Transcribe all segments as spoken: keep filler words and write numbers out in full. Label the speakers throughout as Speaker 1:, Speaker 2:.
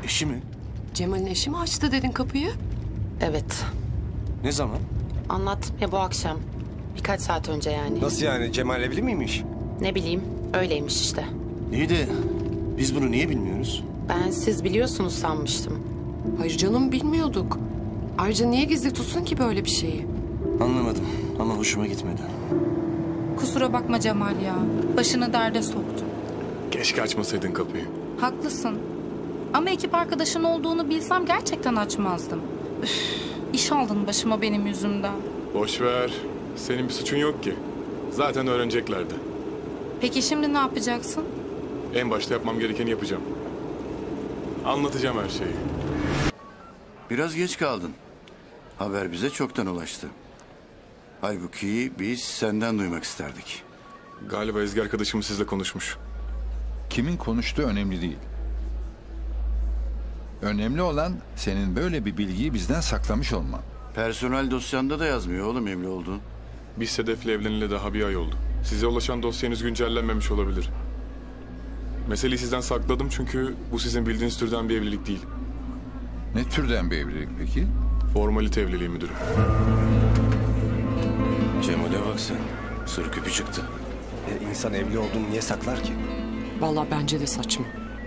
Speaker 1: Eşi mi?
Speaker 2: Cemal'in eşi mi açtı dedin kapıyı?
Speaker 3: Evet.
Speaker 1: Ne zaman?
Speaker 3: Anlattım ya bu akşam. Birkaç saat önce yani.
Speaker 1: Nasıl yani? Cemal evli miymiş?
Speaker 3: Ne bileyim, öyleymiş işte.
Speaker 1: İyi de biz bunu niye bilmiyoruz?
Speaker 3: Ben siz biliyorsunuz sanmıştım.
Speaker 2: Hayır canım, bilmiyorduk. Ayrıca niye gizli tutsun ki böyle bir şeyi?
Speaker 1: Anlamadım ama hoşuma gitmedi.
Speaker 4: Kusura bakma Cemal ya. Başını derde soktu.
Speaker 5: Keşke açmasaydın kapıyı.
Speaker 4: Haklısın. Ama ekip arkadaşın olduğunu bilsem gerçekten açmazdım. Üf, iş aldın başıma benim yüzümden.
Speaker 5: Boş ver. Senin bir suçun yok ki. Zaten öğreneceklerdi.
Speaker 4: Peki şimdi ne yapacaksın?
Speaker 5: En başta yapmam gerekeni yapacağım. Anlatacağım her şeyi.
Speaker 6: Biraz geç kaldın. Haber bize çoktan ulaştı. Halbuki biz senden duymak isterdik.
Speaker 5: Galiba Ezgi arkadaşım sizle konuşmuş.
Speaker 7: Kimin konuştuğu önemli değil. Önemli olan senin böyle bir bilgiyi bizden saklamış olman.
Speaker 6: Personel dosyanda da yazmıyor oğlum evli olduğun.
Speaker 5: Biz Sedef'le evleneli daha bir ay oldu. Size ulaşan dosyanız güncellenmemiş olabilir. Meseleyi sizden sakladım çünkü bu sizin bildiğiniz türden bir evlilik değil.
Speaker 7: Ne türden bir evlilik peki?
Speaker 5: Formalite evliliği müdürüm.
Speaker 1: Cemal'e bak sen. Sır küpü çıktı. E, insan evli olduğunu niye saklar ki?
Speaker 2: Vallahi bence de saçma.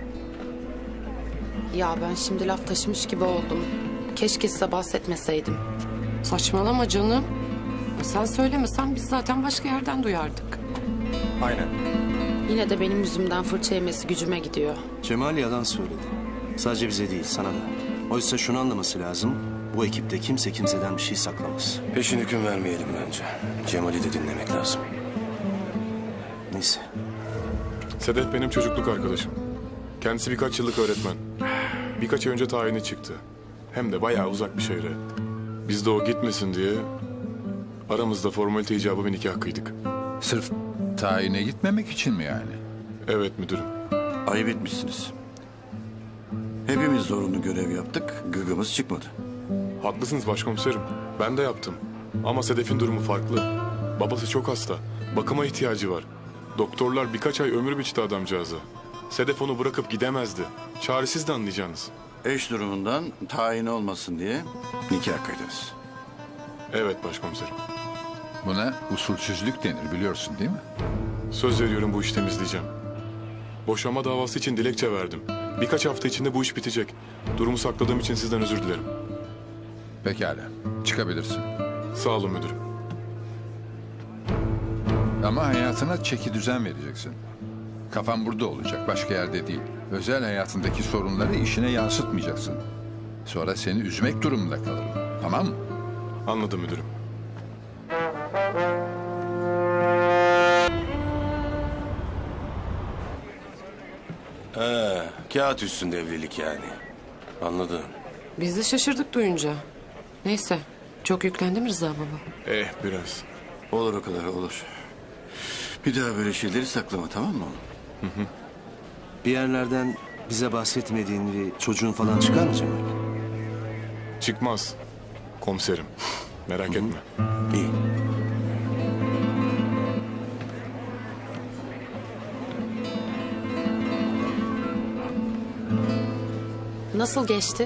Speaker 3: Ya ben şimdi laf taşımış gibi oldum. Keşke size bahsetmeseydim.
Speaker 2: Saçmalama canım. Ya sen söylemesen biz zaten başka yerden duyardık.
Speaker 1: Aynen.
Speaker 3: Yine de benim yüzümden fırça yemesi gücüme gidiyor.
Speaker 1: Cemal yalan söyledi. Sadece bize değil, sana da. Oysa şunu anlaması lazım. Bu ekipte kimse kimseden bir şey saklamaz. Peşin hüküm vermeyelim bence. Cemal'i de dinlemek lazım. Neyse.
Speaker 5: Sedef benim çocukluk arkadaşım. Kendisi birkaç yıllık öğretmen. Birkaç ay önce tayini çıktı. Hem de bayağı uzak bir şehre. Biz de o gitmesin diye aramızda formalite icabı bir nikah kıydık.
Speaker 7: Sırf tayine gitmemek için mi yani?
Speaker 5: Evet müdürüm.
Speaker 6: Ayıp etmişsiniz. Hepimiz zorunlu görev yaptık, gıgımız çıkmadı.
Speaker 5: Haklısınız başkomiserim. Ben de yaptım. Ama Sedef'in durumu farklı. Babası çok hasta. Bakıma ihtiyacı var. Doktorlar birkaç ay ömür biçti adamcağıza. Sedef onu bırakıp gidemezdi. Çaresiz de anlayacağınız.
Speaker 6: Eş durumundan tayin olmasın diye nikah kıydınız.
Speaker 5: Evet başkomiserim.
Speaker 7: Buna usulsüzlük denir biliyorsun değil mi?
Speaker 5: Söz veriyorum bu işi temizleyeceğim. Boşanma davası için dilekçe verdim. Birkaç hafta içinde bu iş bitecek. Durumu sakladığım için sizden özür dilerim.
Speaker 7: Pekala, çıkabilirsin.
Speaker 5: Sağ olun müdürüm.
Speaker 7: Ama hayatına çeki düzen vereceksin. Kafan burada olacak, başka yerde değil. Özel hayatındaki sorunları işine yansıtmayacaksın. Sonra seni üzmek durumunda kalırım. Tamam mı?
Speaker 5: Anladım müdürüm.
Speaker 1: He, kağıt üstünde evlilik yani. Anladım.
Speaker 2: Biz de şaşırdık duyunca. Neyse, çok yüklendi mi Rıza baba?
Speaker 5: Eh biraz.
Speaker 6: Olur o kadar olur. Bir daha böyle şeyleri saklama tamam mı oğlum?
Speaker 1: Bir yerlerden bize bahsetmediğin bir çocuğun falan çıkar mı Cemal?
Speaker 5: Çıkmaz. Komiserim. Merak etme.
Speaker 1: İyi.
Speaker 3: Nasıl geçti?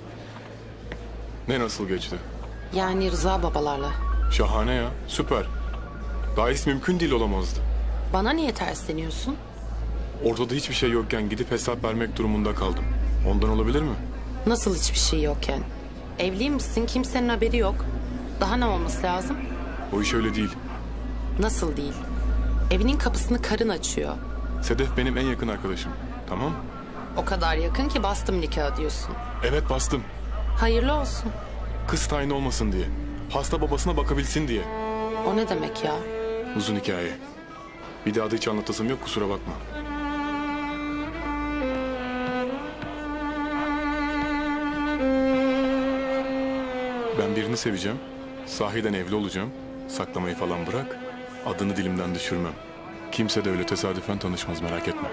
Speaker 5: Ne nasıl geçti?
Speaker 3: Yani Rıza babalarla.
Speaker 5: Şahane ya. Süper. Daha iyisi mümkün değil olamazdı.
Speaker 3: Bana niye tersleniyorsun?
Speaker 5: Ortada hiçbir şey yokken gidip hesap vermek durumunda kaldım. Ondan olabilir mi?
Speaker 3: Nasıl hiçbir şey yokken? Evliymişsin, kimsenin haberi yok. Daha ne olması lazım?
Speaker 5: O iş öyle değil.
Speaker 3: Nasıl değil? Evinin kapısını karın açıyor.
Speaker 5: Sedef benim en yakın arkadaşım. Tamam?
Speaker 3: O kadar yakın ki bastım nikahı diyorsun.
Speaker 5: Evet bastım.
Speaker 3: Hayırlı olsun.
Speaker 5: Kız tayin olmasın diye. Hasta babasına bakabilsin diye.
Speaker 3: O ne demek ya?
Speaker 5: Uzun hikaye. Bir daha da hiç anlatasım yok kusura bakma. Ben birini seveceğim. Sahiden evli olacağım. Saklamayı falan bırak. Adını dilimden düşürmem. Kimse de öyle tesadüfen tanışmaz merak etme.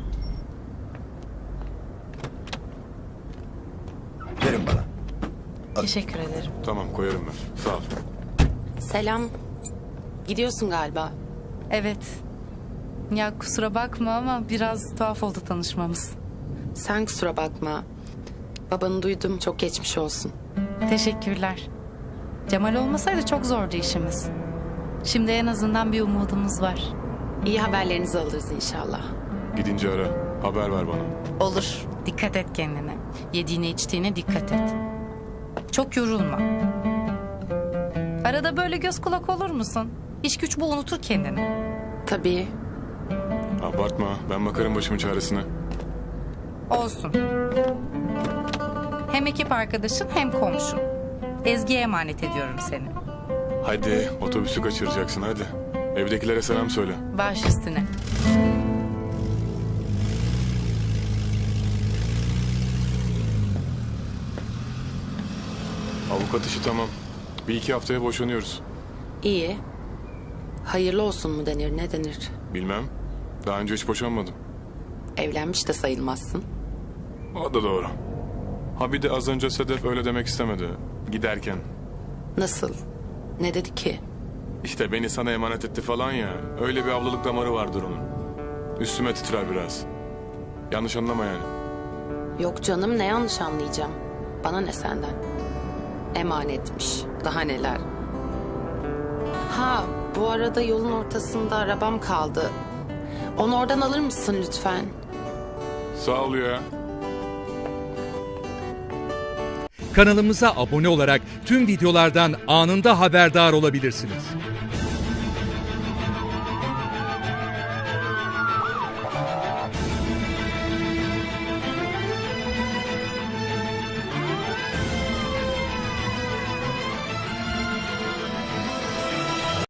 Speaker 1: Verin bana.
Speaker 4: Teşekkür ederim.
Speaker 5: Tamam koyarım ben. Sağ ol.
Speaker 3: Selam. Gidiyorsun galiba.
Speaker 4: Evet. Ya kusura bakma ama biraz tuhaf oldu tanışmamız.
Speaker 3: Sen kusura bakma. Babanı duydum, çok geçmiş olsun.
Speaker 4: Teşekkürler. Cemal olmasaydı çok zordu işimiz. Şimdi en azından bir umudumuz var.
Speaker 3: İyi haberlerinizi alırız inşallah.
Speaker 5: Gidince ara. Haber ver bana.
Speaker 4: Olur. Dikkat et kendine. Yediğine içtiğine dikkat et. Çok yorulma. Arada böyle göz kulak olur musun? İş güç bu, unutur kendini.
Speaker 3: Tabii.
Speaker 5: Abartma. Ben bakarım başımın çaresine.
Speaker 4: Olsun. Hem ekip arkadaşın hem komşun. Ezgi'ye emanet ediyorum seni.
Speaker 5: Hadi otobüsü kaçıracaksın hadi. Evdekilere selam söyle.
Speaker 4: Baş üstüne.
Speaker 5: Avukat işi tamam. Bir iki haftaya boşanıyoruz.
Speaker 3: İyi. Hayırlı olsun mu denir, ne denir?
Speaker 5: Bilmem. Daha önce hiç boşanmadım.
Speaker 3: Evlenmiş de sayılmazsın.
Speaker 5: O da doğru. Ha bir de az önce Sedef öyle demek istemedi. Giderken.
Speaker 3: Nasıl? Ne dedi ki?
Speaker 5: İşte beni sana emanet etti falan ya. Öyle bir avlılık damarı vardır onun. Üstüme titrer biraz. Yanlış anlama yani.
Speaker 3: Yok canım, ne yanlış anlayacağım. Bana ne senden? Emanetmiş. Daha neler. Ha, bu arada yolun ortasında arabam kaldı. Onu oradan alır mısın lütfen?
Speaker 5: Sağ ol ya.
Speaker 8: Kanalımıza abone olarak tüm videolardan anında haberdar olabilirsiniz.